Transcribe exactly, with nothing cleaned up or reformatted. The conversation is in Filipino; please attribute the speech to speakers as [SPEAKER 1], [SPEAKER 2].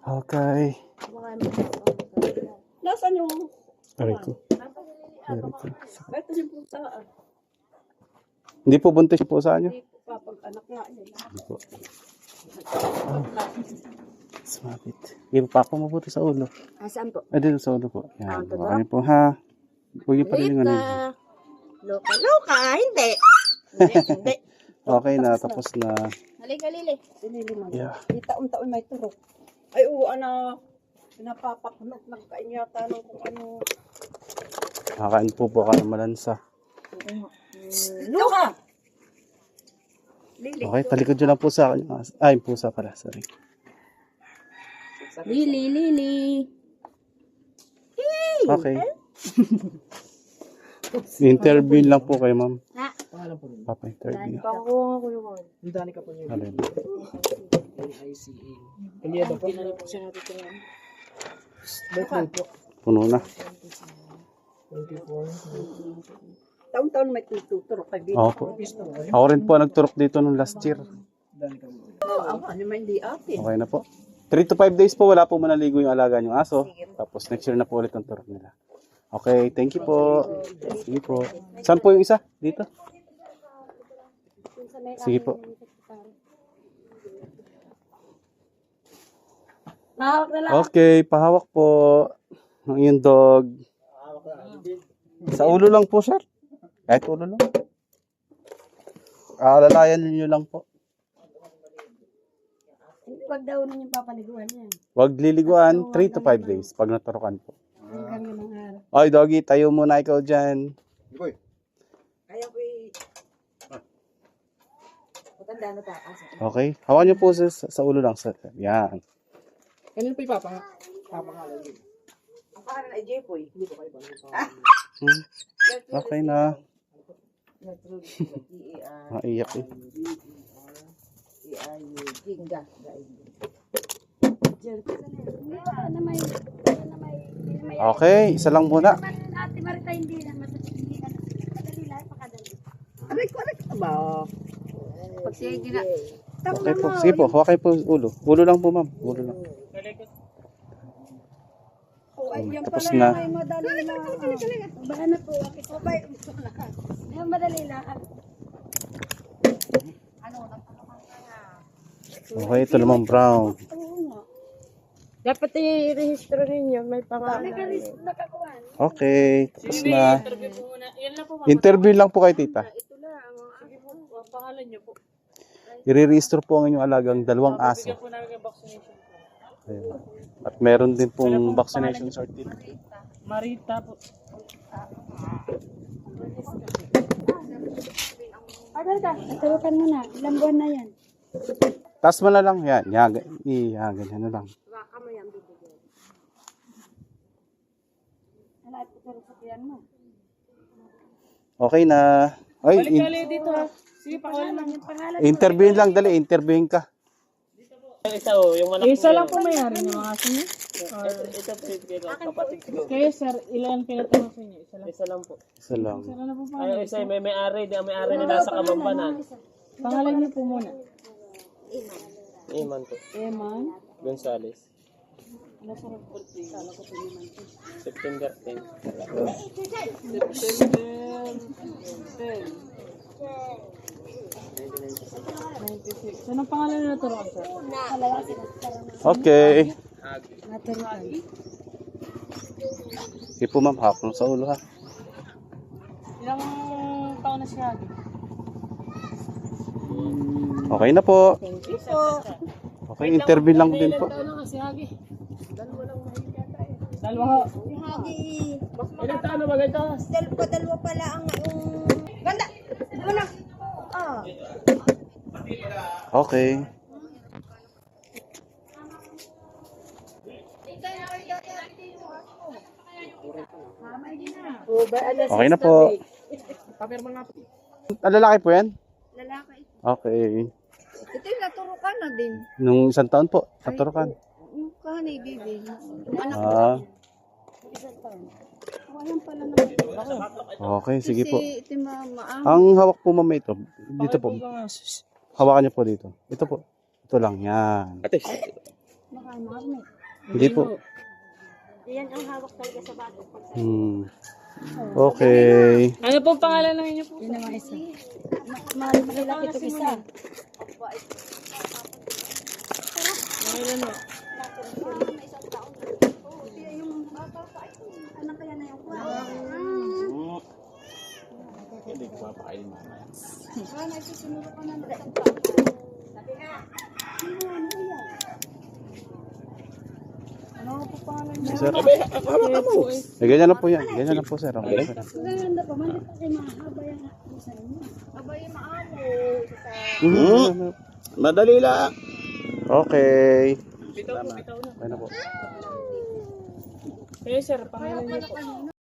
[SPEAKER 1] Okay.
[SPEAKER 2] Nasaan yung...
[SPEAKER 1] Aray ko. Aray ko.
[SPEAKER 2] Ito yung pusa.
[SPEAKER 1] Hindi po buntis yung pusa nyo?
[SPEAKER 2] Hindi po papag-anak nga nila.
[SPEAKER 1] Hindi po. Oh. Sumapit. Hindi po pa mabuti sa ulo.
[SPEAKER 2] Ah, saan po?
[SPEAKER 1] Ah, dito sa ulo po. Yan.
[SPEAKER 2] Ah, totoo?
[SPEAKER 1] Baka niyo po ha. Huwag niyo pa rin yung ano.
[SPEAKER 2] Loka. Loka! Hindi! Hindi, hindi.
[SPEAKER 1] Okay na. Tapos na.
[SPEAKER 2] Halika, Lili. Si Lili man.
[SPEAKER 1] Yeah.
[SPEAKER 2] Di taon-taon may turok. Ay, oo, ano. Pinapapakunot. Nagkain yata ng kung ano.
[SPEAKER 1] Kakain po po ka ng malansa.
[SPEAKER 2] Loka! Lili.
[SPEAKER 1] Okay, talikod nyo lang po sa akin. Ay, pusa pala. Sorry.
[SPEAKER 2] Lili, Lili.
[SPEAKER 1] Okay. Interview lang po kayo, ma'am.
[SPEAKER 2] Ha?
[SPEAKER 1] Papa-interview.
[SPEAKER 2] Pangkuha ko yung
[SPEAKER 3] Ang dani ka po niya.
[SPEAKER 1] Alin?
[SPEAKER 3] I C A. Kanya ba po? Pinali po siya natin ito yan. Birthday po.
[SPEAKER 1] Puno na.
[SPEAKER 3] twenty-four.
[SPEAKER 2] Taon-taon may tuturok kay Bino.
[SPEAKER 1] Ako po. Ako rin po nagturok dito nung last year.
[SPEAKER 3] Dani ka po.
[SPEAKER 2] Oo, ano man hindi atin.
[SPEAKER 1] Okay na po. three to five days po, wala po manaligo yung alaga yung aso. Tapos next year na po ulit ang turok nila. Okay, thank you po. Sige po. Saan po yung isa? Dito? Sige po.
[SPEAKER 2] Mahawak na lang.
[SPEAKER 1] Okay, pahawak po ng iyong dog. Sa ulo lang po, sir. Kahit ulo lang. Alalayan niyo lang po.
[SPEAKER 2] Pag daw nun yung papaliguan yan.
[SPEAKER 1] Huwag liliguan, three to five days pag naturokan po.
[SPEAKER 2] Hanggang yung mga araw.
[SPEAKER 1] Oy, doggy, tayo muna ikaw dyan.
[SPEAKER 2] Kaya ko i... Matanda na takas.
[SPEAKER 1] Okay, hawakan niyo po sa, sa ulo lang, sir. Yan.
[SPEAKER 3] Kailan po ipapang? Papangalan yun.
[SPEAKER 2] Ang pangalan ay Jepoy.
[SPEAKER 3] Hindi po kayo ba?
[SPEAKER 1] Hmm. Okay na. Maiyak eh.
[SPEAKER 2] Ginga. Na may... Na may...
[SPEAKER 1] Okay, isa lang muna.
[SPEAKER 2] Ate Marita hindi na hindi na madali lang pakadali. Aray ko, aray ko ba? Pag siya gina.
[SPEAKER 1] Okay po, sige po, hawakay po ulo. Ulo lang po, ma'am. Ulo lang. Tapos na.
[SPEAKER 2] Ay madali lang. Ba na po, akit ko ba? Ay madali lang. Ano na
[SPEAKER 1] Okay, ito naman brown.
[SPEAKER 2] dapat i-rehistro ninyo, may pangalan. Nakakuha.
[SPEAKER 1] Okay, tapos na. Interview lang po kay tita.
[SPEAKER 2] Ito na ang sige po, ang pangalan niyo po.
[SPEAKER 1] I-register po ang inyong alagang dalawang aso. Ayun. At meron din pong vaccination certificate.
[SPEAKER 3] Marita po.
[SPEAKER 2] Ano ka? Naturukan mo na. Ilang buwan na yan.
[SPEAKER 1] Taas mo na lang. Yan, yan, yan, ganyan na lang.
[SPEAKER 2] Baka mo yan bibigyan. Ano ay tuturo sa tiyan mo?
[SPEAKER 1] Okay na. Ay, in-
[SPEAKER 3] Kali dito ha. Sige, pakawalan lang.
[SPEAKER 2] Yung pangalan
[SPEAKER 1] interviewin lang, dali. Interviewin ka.
[SPEAKER 3] Isa oh, yung malaki. Isa lang po mayari ng mga aso niyo? Ito, ito po yung kapatid ko. Kayo sir, ilan pinatanong sa inyo? Isa lang? Isa lang po.
[SPEAKER 1] Isa lang.
[SPEAKER 3] Isa lang po pa. Ay, isa, may may-ari. May may-ari na nasa Kamambanan. Pangalan niyo po muna. Iman po. Iman? Gonzales. Ano sa birthday? Kala ko po Iman po. September tenth. September tenth. ninety-six. Anong pangalan na naturoan sir?
[SPEAKER 1] Okay.
[SPEAKER 2] naturuan.
[SPEAKER 1] Sige po, ma'am. Hapon sa ulo, ha.
[SPEAKER 3] Ilang taon na siya?
[SPEAKER 1] Okay na po.
[SPEAKER 2] Thank you po.
[SPEAKER 1] Okay, interview lang din po.
[SPEAKER 3] Ilang taon na kasi Hagi? Dalawa lang mahigit yata eh. Dalawa.
[SPEAKER 2] Yung hagi.
[SPEAKER 3] Ilang taon na ba ganito?
[SPEAKER 2] Dalawa, dalawa pala ang yung... Ganda! Wala. Ah.
[SPEAKER 1] Okay.
[SPEAKER 2] Oh, ba, alas
[SPEAKER 1] Okay na po.
[SPEAKER 3] Papirma nga po.
[SPEAKER 1] Ah, lalaki po yan?
[SPEAKER 2] lalaki.
[SPEAKER 1] Okay.
[SPEAKER 2] Ito yung naturukan na din.
[SPEAKER 1] Nung isang taon po, naturokan.
[SPEAKER 2] Yung kahanay, baby. Yung anak ko.
[SPEAKER 1] Ah,
[SPEAKER 2] Isang taon. Oh, ayan pala naman.
[SPEAKER 1] okay, sige po.
[SPEAKER 2] Kasi ito yung ma- maang.
[SPEAKER 1] Ang hawak po, ma'am, ito. Dito po. Hawakan niyo po dito. Ito po. Ito lang, yan.
[SPEAKER 3] Ate.
[SPEAKER 2] Baka magnet.
[SPEAKER 1] Hindi po.
[SPEAKER 2] Yan ang hawak talaga sa bato. Pag sa
[SPEAKER 1] Hmm. Okay.
[SPEAKER 3] Ano pong pangalan ng inyo po?
[SPEAKER 2] yun naman isa. Ma- Malaki ito isa.
[SPEAKER 3] Pangalan mo?
[SPEAKER 2] Ano kaya na yung kwa?
[SPEAKER 1] Hindi ko papakainin mamaya.
[SPEAKER 2] Ah, nagsisinuro ka na ng Sabi nga. Ano po pangalan niya?
[SPEAKER 1] Sir, eh, ganyan lang po yan. Ganyan lang po, sir. Okay, sir.
[SPEAKER 2] Ganda pa man. Kasi mahaba yung isa niyo. Aba yung maamo.
[SPEAKER 1] Mhm.
[SPEAKER 4] Madali lang.
[SPEAKER 1] Okay.
[SPEAKER 3] Bitaw po, bitaw na.
[SPEAKER 1] Okay na po.
[SPEAKER 3] Kayo sir, pangalan niyo po.